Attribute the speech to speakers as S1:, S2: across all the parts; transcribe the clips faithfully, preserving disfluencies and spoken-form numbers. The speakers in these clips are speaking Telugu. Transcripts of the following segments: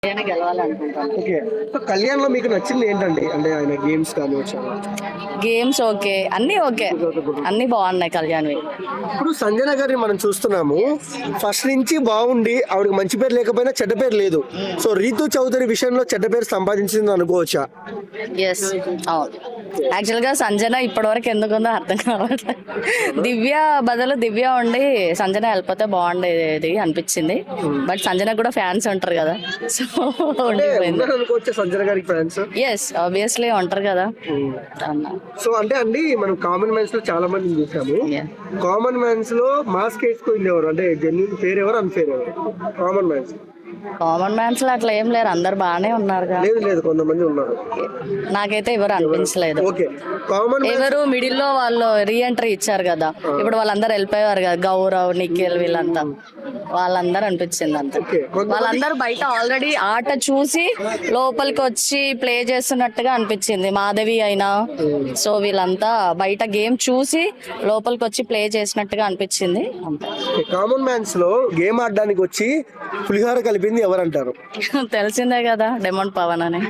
S1: గెలవాలనుకుంటాను.
S2: ఓకే. సో కళ్యాణ్‌లో మీకు నచ్చింది ఏంటండి? అంటే ఆయన గేమ్స్ కావచ్చు.
S1: గేమ్స్ ఓకే, అన్నీ ఓకే, అన్నీ బాగున్నాయి కళ్యాణ్వి.
S2: ఇప్పుడు సంజన గారిని మనం చూస్తున్నాము. ఫస్ట్ నుంచి బాగుండి ఆవిడకి మంచి పేరు లేకపోయినా చెడ్డ పేరు లేదు. సో రీతు చౌదరి విషయంలో చెడ్డ పేరు సంపాదించింది అనుకోవచ్చా?
S1: ఎస్, అవును. యాక్చువల్గా సంజన ఇప్పటివరకు ఎందుకుందో అర్థం కావట్లేదు. దివ్య బదులు దివ్య ఉండి సంజన వెళ్ళిపోతే బాగుండేది అనిపించింది. బట్ సంజన కూడా ఫ్యాన్స్ ఉంటారు కదా, సో ఉండిపోయింది.
S2: అనుకోవచ్చా సంజన గారికి ఫ్యాన్స్?
S1: ఎస్, ఆబ్వియస్లీ ఉంటారు కదా అన్న.
S2: సో అంటే అండి మనం కామన్ మ్యాన్స్ లో చాలా మందిని చూసాము.
S1: Yeah.
S2: కామన్ మ్యాన్స్ లో మాస్క్ వేసుకుంది ఎవరు? అంటే జెన్యున్ ఫేర్ ఎవరు, అన్ఫేర్ ఎవరు? కామన్ మ్యాన్స్
S1: కామన్ మ్యాన్స్ లో అట్లా ఏం లేరు, అందరు బాగానే ఉన్నారు.
S2: లేదు లేదు కొంతమంది ఉన్నారు.
S1: నాకైతే ఎవరు అనిపించలేదు.
S2: ఓకే. కామన్
S1: ఎవరు మిడిల్ లో వాళ్ళు రీఎంట్రీ ఇచ్చారు కదా, ఇప్పుడు వాళ్ళందరూ వెళ్ళిపోయారు కదా, గౌరవ్, నిఖిల్ వీళ్ళంతా, వాళ్ళందరూ అనిపించింది అంత. వాళ్ళందరూ బయట ఆల్రెడీ ఆట చూసి లోపలికి వచ్చి ప్లే చేస్తున్నట్టుగా అనిపించింది. మాధవి అయినా, సో వీళ్ళంతా బయట గేమ్ చూసి లోపలికి వచ్చి ప్లే చేసినట్టుగా అనిపించింది అంతే.
S2: కామన్ మ్యాన్స్ లో గేమ్ ఆడడానికి వచ్చి పులిహార కలిపింది ఎవరంటారు?
S1: తెలిసిందే కదా, డెమోన్ పవన్ అని.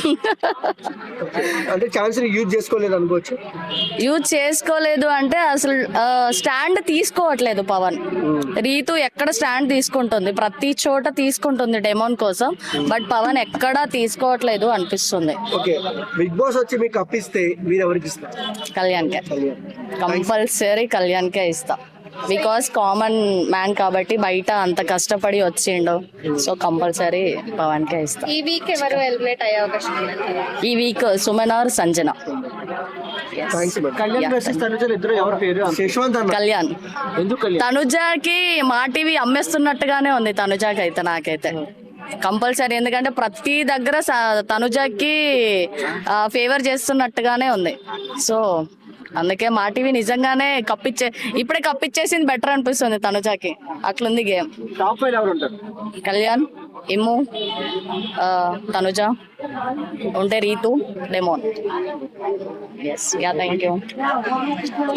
S2: అంటే ఛాన్స్ యూజ్ చేసుకోలేదు అనుకోవచ్చు.
S1: యూజ్ చేసుకోలేదు అంటే అసలు స్టాండ్ తీసుకోవట్లేదు పవన్. రీతు ఎక్కడ స్టాండ్ తీసుకుంటుంది, ప్రతి చోట తీసుకుంటుంది డెమోన్ కోసం, బట్ పవన్ ఎక్కడా తీసుకోవట్లేదు అనిపిస్తుంది.
S2: ఓకే. బిగ్ బాస్ వచ్చి మీకు అప్పిస్తే మీరు ఎవరికి ఇస్తారు?
S1: కళ్యాణ్కే, కంపల్సరీ కళ్యాణ్కే ఇస్తా. బికాస్ కామన్ మ్యాన్ కాబట్టి బయట అంత కష్టపడి వచ్చిండు, సో కంపల్సరీ పవన్ కే ఇస్తా.
S3: ఈ వీక్ ఎవరు ఎలిమినేట్ అయ్యే అవకాశం ఉంది?
S1: ఈ వీక్ సుమన్ ఆర్ సంజన. కళ్యాణ్, తనుజాకి మా టీవీ అమ్మేస్తున్నట్టుగానే ఉంది తనుజాకి అయితే, నాకైతే కంపల్సరీ. ఎందుకంటే ప్రతి దగ్గర తనుజాకి ఫేవర్ చేస్తున్నట్టుగానే ఉంది, సో అందుకే మా టీవీ నిజంగానే కప్పిచ్చే ఇప్పుడే కప్పిచ్చేసింది బెటర్ అనిపిస్తుంది తనుజాకి. అట్లుంది గేమ్. కళ్యాణ్, ఇమ్ము, తనుజ, ఉంటే Rithu, demon. Yes, yeah, thank you.